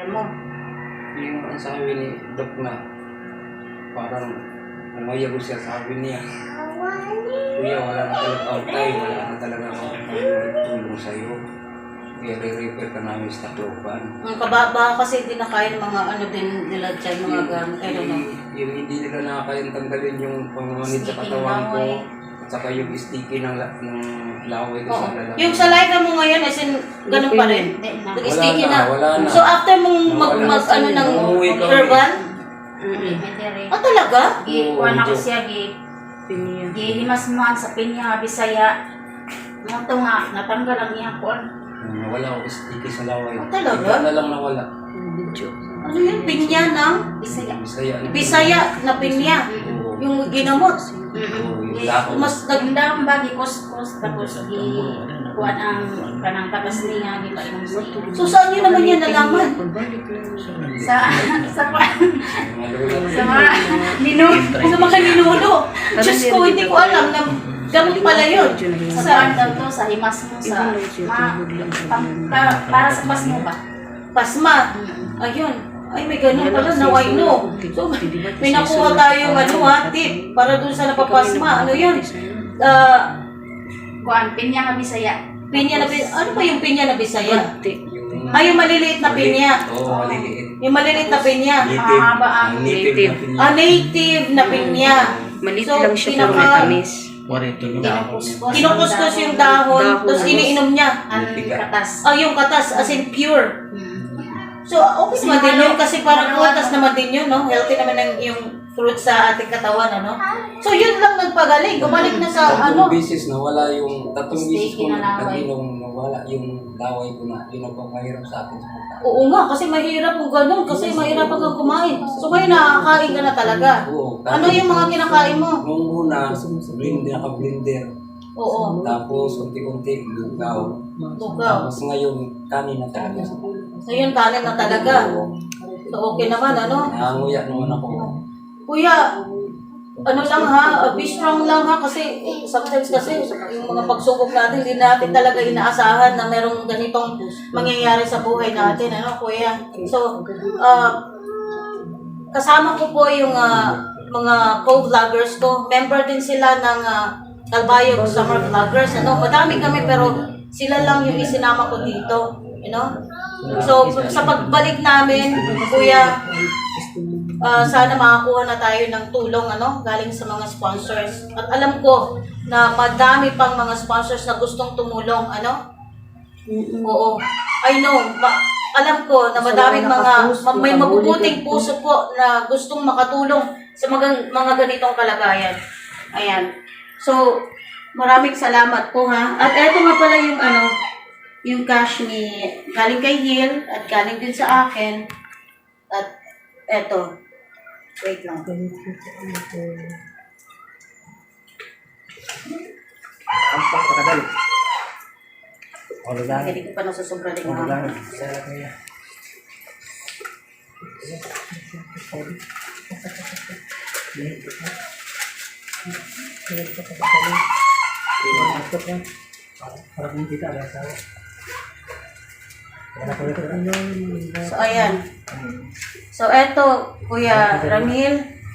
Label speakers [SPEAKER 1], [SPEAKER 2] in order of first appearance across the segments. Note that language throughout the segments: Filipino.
[SPEAKER 1] mo?
[SPEAKER 2] Yung ang sabi ni Doc na parang umayag siya, sabi niya, kuya, wala na talaga ang time, wala na talaga ang time magtulong sa'yo. Kaya re-refer ka namin sa Tacloban.
[SPEAKER 1] Ang kababa kasi hindi na kaya ng mga ano din nila dyan, mga gamit. I don't know.
[SPEAKER 2] Yung hindi nila nakakayang tanggalin yung pangmanid sa katawan ko, at saka yung sticky ng laway ko sa lalaki.
[SPEAKER 1] Yung sa live mo ngayon, as in, ganun pa rin. Nag-sticky na.
[SPEAKER 2] Wala na.
[SPEAKER 1] So after mong ano ng herbal? Talaga?
[SPEAKER 3] Kuha na ko siya, gihimas mo sa pinya, Bisaya. Ito nga, natanggal ang iyang kuwan.
[SPEAKER 2] Nawala ako sticky sa laway.
[SPEAKER 1] Talaga?
[SPEAKER 2] Ika na lang nawala.
[SPEAKER 1] Ano yun? Pinya ng? Bisaya na pinya. Yung ginamot. Mas
[SPEAKER 3] nagdang ba, gikos-kos, tapos kuwan ang kanang tagas niya, di ba yung
[SPEAKER 1] so saan nyo naman yan nalaman?
[SPEAKER 3] sa mga ninuno.
[SPEAKER 1] Sa mga ninuno. Diyos ko, hindi ko alam na gamot pala yun.
[SPEAKER 3] Sa daw to, sa himas mo, sa para sa pas mo ba?
[SPEAKER 1] Pasma. Ayun. Ay, may ganun pala. Now I know. So, may nakuha tayong tip para dun sa napapasma. Ano yun?
[SPEAKER 3] Kuan, pinya nga Bisaya.
[SPEAKER 1] Pinya na Bisaya. Ano ba yung pinya na Bisaya? Yung maliliit na pinya.
[SPEAKER 2] Oo, maliliit.
[SPEAKER 1] Yung maliliit na pinya.
[SPEAKER 3] Mahaba ang
[SPEAKER 2] native.
[SPEAKER 1] Native na pinya.
[SPEAKER 4] Maliit lang siya pero matamis.
[SPEAKER 1] Kinukuskus yung dahon, tapos iniinom niya.
[SPEAKER 3] ang katas.
[SPEAKER 1] Yung katas, as in pure. So, okay naman din yun kasi parang katas naman din yun, no? Healthy naman yung fruit sa ating katawan, ano? So, yun lang nagpagaling. Gumalik na sa,
[SPEAKER 2] Tatlong beses nawala yung, tatlong beses
[SPEAKER 3] Sticky
[SPEAKER 2] ko
[SPEAKER 3] na laway.
[SPEAKER 2] nag-inom, nawala yung laway ko na, yun ang pangahirap sa akin sa pagkain.
[SPEAKER 1] oo nga, kasi mahirap kung ganun, kasi mahirap kang kumain. So, ngayon nakakain ka na talaga.
[SPEAKER 2] Oo.
[SPEAKER 1] Ano yung mga kinakain mo?
[SPEAKER 2] Nung una, naka-blender.
[SPEAKER 1] Oo.
[SPEAKER 2] Tapos, unti-unti, lugaw.
[SPEAKER 1] Lugaw.
[SPEAKER 2] Tapos ngayon, kanin na talaga.
[SPEAKER 1] Ngayon, kanin na talaga. So, okay naman, ano?
[SPEAKER 2] Nanganguya naman ako.
[SPEAKER 1] Kuya, ano lang ha, be strong lang ha, kasi sometimes kasi yung mga pagsubok natin, hindi natin talaga inaasahan na merong ganitong mangyayari sa buhay natin, ano kuya? So, kasama ko po yung mga co-vloggers ko. Member din sila ng Calbayog Summer Vloggers, ano? Madami kami pero sila lang yung isinama ko dito, you know? So, sa pagbalik namin, kuya, sana makakuha na tayo ng tulong galing sa mga sponsors. At alam ko na madami pang mga sponsors na gustong tumulong, Oo. I know. Alam ko na madaming may mabubuting puso po na gustong makatulong sa mga ganitong kalagayan. Ayan. So, maraming salamat po ha. At eto nga pala yung cash ni galing kay Hil at galing din sa akin. At eto. Wait lang.
[SPEAKER 2] Ang pakakadali.
[SPEAKER 1] Hindi ko pa nasusobra din ha. So, ayan. So, eto, Kuya Ramil,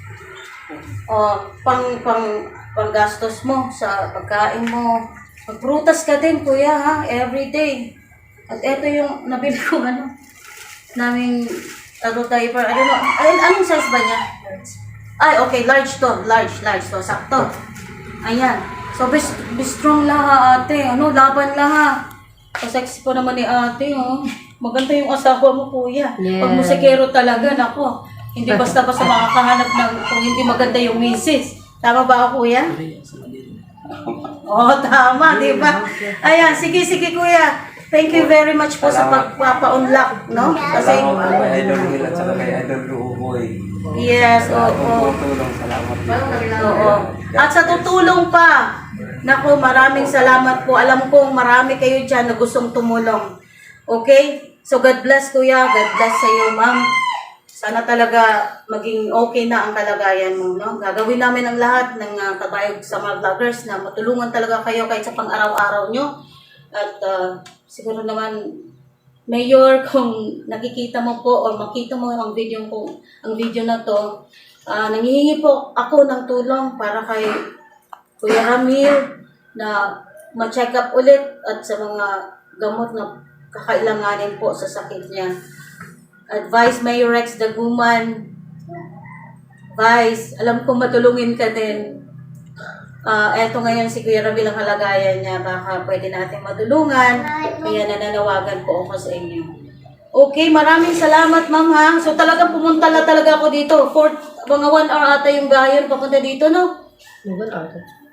[SPEAKER 1] panggastos mo sa pagkain mo. Magprutas ka din, Kuya, ha? Every day. At eto yung nabili ko, naming diaper. I don't know. Anong size ba niya? Ay, okay. Large to. Large to. Sakto. Ayan. So, be strong lang ha, ate. Laban lang ha. Sexy po naman ni ate, oh. Maganda yung asawa mo, kuya.
[SPEAKER 4] Yeah.
[SPEAKER 1] Pag musikero talaga, nako. Hindi basta-basta makakahanap ng kung hindi maganda yung misis. Tama ba ako, kuya? Oo, tama, di ba? Ayan, sige, kuya. Thank you very much po sa pagpapa-unlock, no? Kasi,
[SPEAKER 2] Salamat po kay Idol Will at saka kay Idol Ruboy.
[SPEAKER 1] yes, oo.
[SPEAKER 2] Salamat.
[SPEAKER 1] Oo. At sa tutulong pa, naku, maraming salamat po. Alam kong marami kayo dyan na gustong tumulong. Okay? So, God bless, kuya. God bless sa iyo, ma'am. Sana talaga maging okay na ang kalagayan mo, no? Gagawin namin ang lahat ng kabayog sa mga vloggers na matulungan talaga kayo kahit sa pang-araw-araw nyo. At siguro naman Mayor, kung nakikita mo po or makita mo ang video na to, nanghihingi po ako ng tulong para kay Kuya Ramil na ma-check up ulit at sa mga gamot na kakailanganin po sa sakit niya. Advice Mayor Rex Daguman, Vice, alam ko matulungin ka din. Eto ngayon si Kuya Ramil ang halagayan niya, baka pwede natin matulungan, kaya nananawagan po ako sa inyo. Okay, maraming salamat ma'am ha. So talagang pumunta na talaga ako dito. For mga 1 hour ata yung bayan papunta dito, no?
[SPEAKER 5] 1 hour.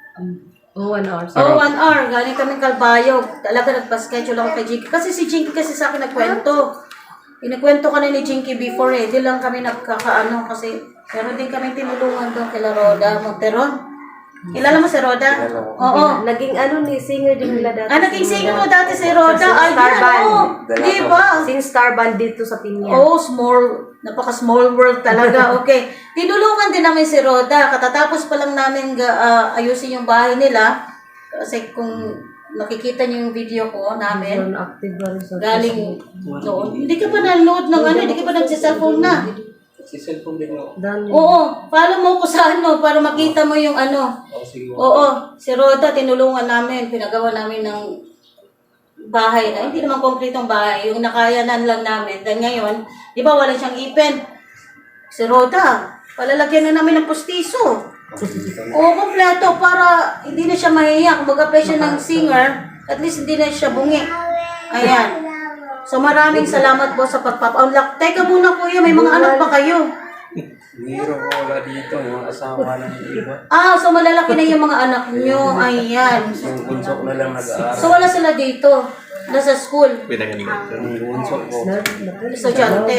[SPEAKER 5] 1 hour.
[SPEAKER 1] Oh, 1 hour. Galing kami Kalbayog. Talaga nagpa-schedule ako kay Jinky. Kasi si Jinky kasi sa akin nagkwento. Inikwento ka na ni Jinky before eh. Di lang kami nagkakaano kasi meron din kami tinulungan doon kila Roda Monteron. Kilala mo si Roda? Oo.
[SPEAKER 5] Naging ni singer din nila dati.
[SPEAKER 1] Naging singer mo dati si Roda.
[SPEAKER 5] Sa Star Band.
[SPEAKER 1] Di ba?
[SPEAKER 5] Sing Star Band dito sa Pinya.
[SPEAKER 1] Oh, napaka-small world talaga. Okay. Tinulungan din namin si Roda. Katatapos pa lang namin ayusin yung bahay nila. Kasi kung nakikita niyo yung video ko namin,
[SPEAKER 5] Active ba rin sa
[SPEAKER 1] galing noon. Hindi ka pa nanood ng hindi ka pa nagsiselfone na.
[SPEAKER 2] Si cellphone din mo.
[SPEAKER 1] Oo, follow mo ko sa para makita mo yung
[SPEAKER 2] Sige.
[SPEAKER 1] Oo, si Roda, tinulungan namin, pinagawa namin ng bahay na, hindi naman konkretong bahay, yung nakayanan lang namin. Dahil ngayon, di ba wala siyang ipin? Si Roda, palalagyan na namin ng pustiso. Oo, kompleto, para hindi na siya mahiya. Kung mag-apply siya ng singer, at least hindi na siya bungi. Ayan. So maraming salamat po sa pagpapaunlak. Teka muna kuya, may mga anak pa kayo.
[SPEAKER 2] Biro ko wala dito. Yung asawa ng iba.
[SPEAKER 1] So malalaki na yung mga anak nyo. Ayan.
[SPEAKER 2] Yung bunso ko na lang nag-aaral.
[SPEAKER 1] So wala sila dito. Nasa school.
[SPEAKER 2] Yung bunso ko.
[SPEAKER 1] Estudyante.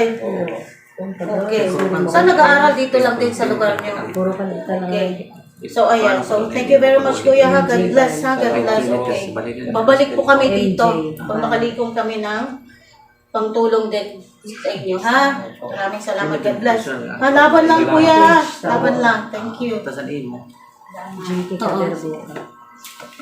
[SPEAKER 1] Okay. So nag-aaral dito lang din sa lugar nyo.
[SPEAKER 5] Puro ka lang.
[SPEAKER 1] Okay. So ayan. So thank you very much kuya ha. God bless ha. God bless. Okay. Babalik po kami dito. Kung makalikom kami ng pangtulong din sa inyo ha. Maraming salamat. God bless. Laban lang kuya ha. Laban lang. Thank you.
[SPEAKER 5] JK Caderbo.